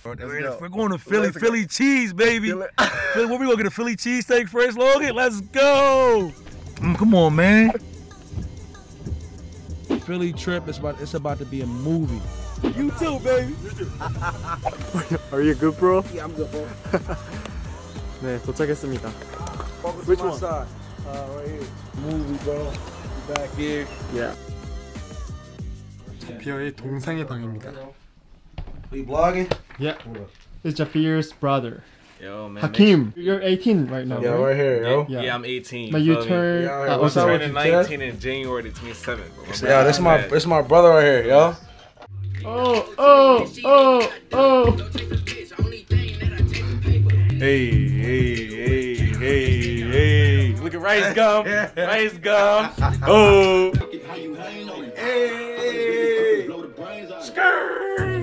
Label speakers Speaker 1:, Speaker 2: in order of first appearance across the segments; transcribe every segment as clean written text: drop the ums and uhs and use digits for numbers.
Speaker 1: We're going to Philly. Philly cheese, baby. Philly, where we gonna get a Philly cheesesteak first, Logan? Let's go. Come on, man. Philly trip. It's about to be a movie. You too, baby. You too.
Speaker 2: Are you good, bro?
Speaker 1: Yeah, I'm good, bro.
Speaker 2: 네, 도착했습니다.
Speaker 1: Which one? Side. Right here. Movie, bro. You back here?
Speaker 2: Yeah. 자피어의 동상의 방입니다.
Speaker 1: Are you vlogging?
Speaker 2: Yeah. It's Jafir's brother.
Speaker 3: Yo, man.
Speaker 2: Hakeem, you're 18 right now,
Speaker 1: Yeah,
Speaker 2: right?
Speaker 1: right here, yo.
Speaker 3: Yeah, I'm 18.
Speaker 2: But you turn.
Speaker 3: I'm turning 19 in January the 27th.
Speaker 1: Yeah, this is my brother right here, yo.
Speaker 2: Oh.
Speaker 3: Hey. Look at Rice Gum. Rice Gum. Oh.
Speaker 1: Hey. Skirt.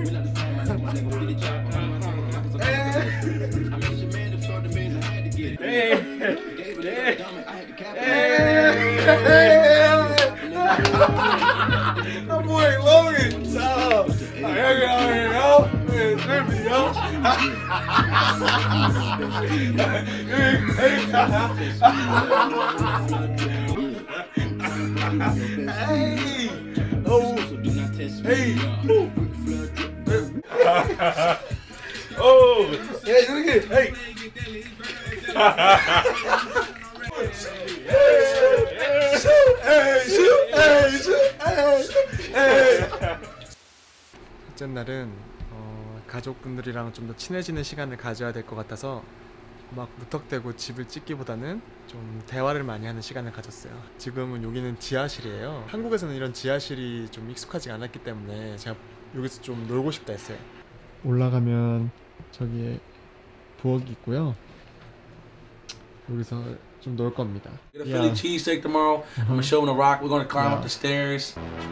Speaker 1: My boy Logan. What's up? Hey, look at it.
Speaker 2: 첫째 날은 가족분들이랑 좀 더 친해지는 시간을 가져야 될 것 같아서 막 무턱대고 집을 찍기보다는 좀 대화를 많이 하는 시간을 가졌어요. 지금은 여기는 지하실이에요. 한국에서는 이런 지하실이 좀 익숙하지 않았기 때문에 제가 여기서 좀 놀고 싶다 했어요. 올라가면 저기에 부엌이 있고요. 여기서 좀 놀 겁니다.
Speaker 1: Get a Philly cheesesteak tomorrow. I'm gonna show him the rock. We're gonna climb up the stairs.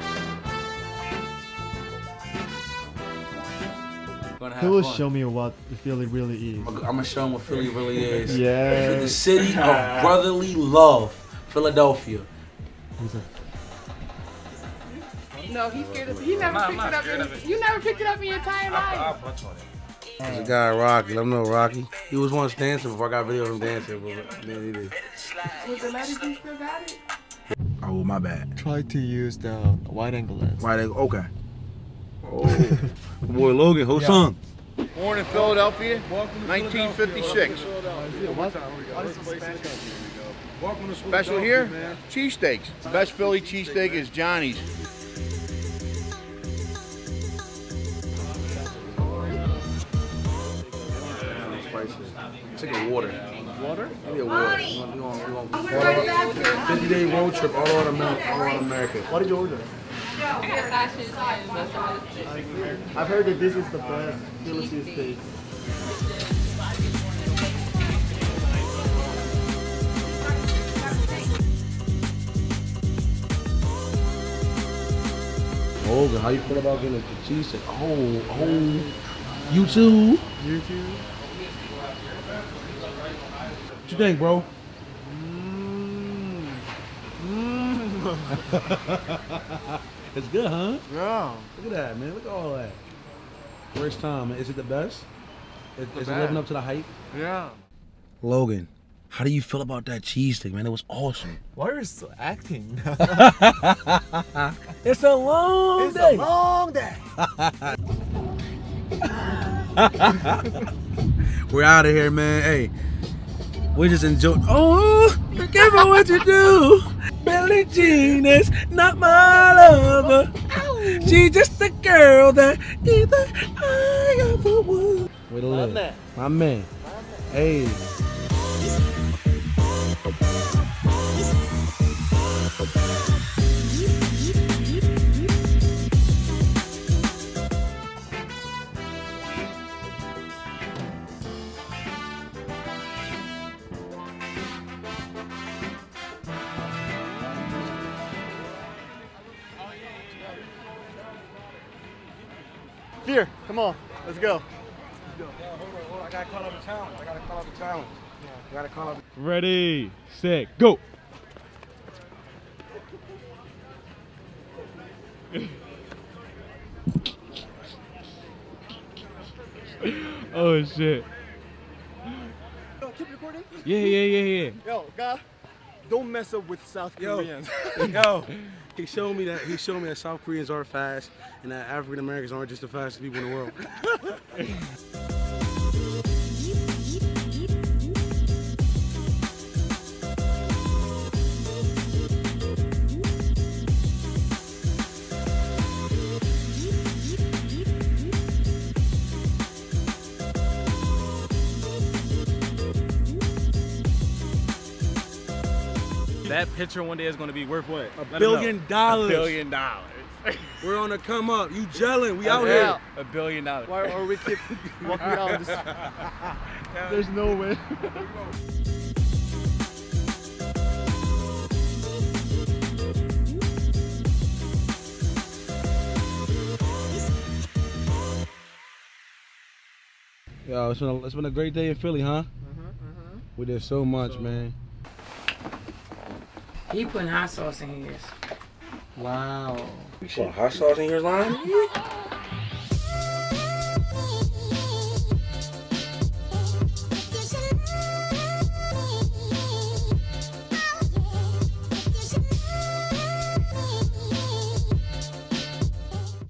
Speaker 2: He will show me what the Philly really is.
Speaker 1: I'm gonna show him what Philly really is.
Speaker 2: Yeah.
Speaker 1: The city of brotherly love, Philadelphia.
Speaker 4: No, he's scared of it. You never picked it up in your entire life.
Speaker 1: There's a guy, Rocky. Let him know, Rocky. He was once dancing before I got video of him dancing, but then he did.
Speaker 4: Was the lady still got it?
Speaker 1: Oh, my bad.
Speaker 2: Try to use the wide angle lens.
Speaker 1: Wide angle, okay. Oh, boy Logan, Ho-Sung.
Speaker 5: Born in Philadelphia, 1956. Special here, cheesesteaks. The best Philly cheesesteak is Johnny's.
Speaker 1: Take a water.
Speaker 2: Water?
Speaker 1: Give me a water. We want 50-day road trip all over America.
Speaker 2: What did you order? I've heard that this is the best Philly cheesesteak.
Speaker 1: Logan, how you feel about getting the cheesesteak? Oh, you too?
Speaker 2: You too?
Speaker 1: What you think, bro? It's good, huh?
Speaker 2: Yeah.
Speaker 1: Look at that, man. Look at all that. First time, man. Is it the best? Is it living up to the hype?
Speaker 2: Yeah.
Speaker 1: Logan, how do you feel about that cheesesteak, man? It was awesome.
Speaker 2: Why are you still acting?
Speaker 1: It's a long day.
Speaker 2: It's a long day.
Speaker 1: We're out of here, man. Hey, we just enjoyed. Oh, be careful what you do. Billie Jean is not my lover. She just a girl that either I ever would. Way to live. My man. Hey.
Speaker 2: Fear, come on, let's go.
Speaker 1: Hold on. I gotta call out the challenge.
Speaker 2: Ready, set, go.
Speaker 3: Oh shit.
Speaker 2: Yo, keep recording?
Speaker 3: Yeah.
Speaker 2: Yo, guy, don't mess up with South Koreans.
Speaker 1: Yo, he showed me that South Koreans are fast and that African Americans aren't just the fastest people in the world.
Speaker 3: That picture one day is gonna be worth what?
Speaker 1: $1 billion.
Speaker 3: $1 billion.
Speaker 1: We're on the come up. You gelling. We out here.
Speaker 3: $1 billion.
Speaker 2: Why are we keep walking down this? There's no way.
Speaker 1: Yo, it's been a great day in Philly, huh? We did so much, man.
Speaker 4: He putting hot sauce in his.
Speaker 2: Wow.
Speaker 1: You put hot sauce in your line?